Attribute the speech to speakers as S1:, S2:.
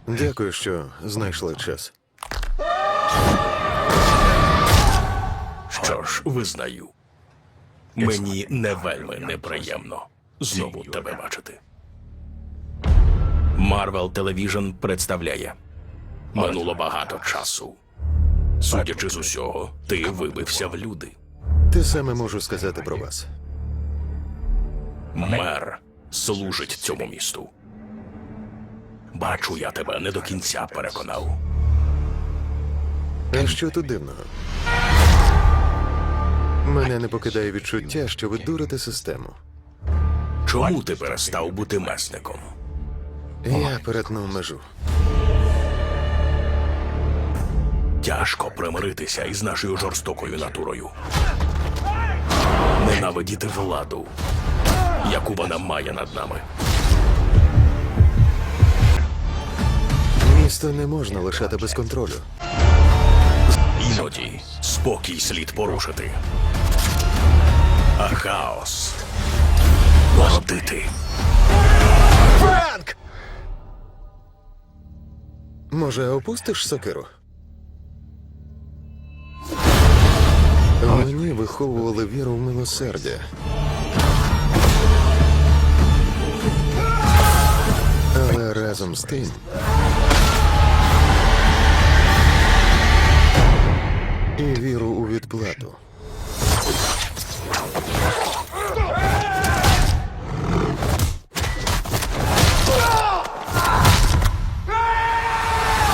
S1: Дякую, що знайшли час.
S2: Що ж, визнаю. Мені не вельми неприємно знову тебе бачити. Marvel Television представляє. Минуло багато часу. Судячи з усього, ти вибився в люди.
S1: Те саме можу сказати про вас.
S2: Мер служить цьому місту. Бачу, я тебе не до кінця переконав.
S1: А що тут дивного? Мене не покидає відчуття, що ви дурите систему.
S2: Чому ти перестав бути месником?
S1: Я перетнув межу.
S2: Тяжко примиритися із нашою жорстокою натурою. Ненавидіти владу, яку вона має над нами.
S1: Місто не можна лишати без контролю.
S2: Іноді спокій слід порушити. А хаос породити.
S1: Франк! Може, опустиш сокиру? Мені виховували віру в милосердя. Але разом з тим і віру у відплату.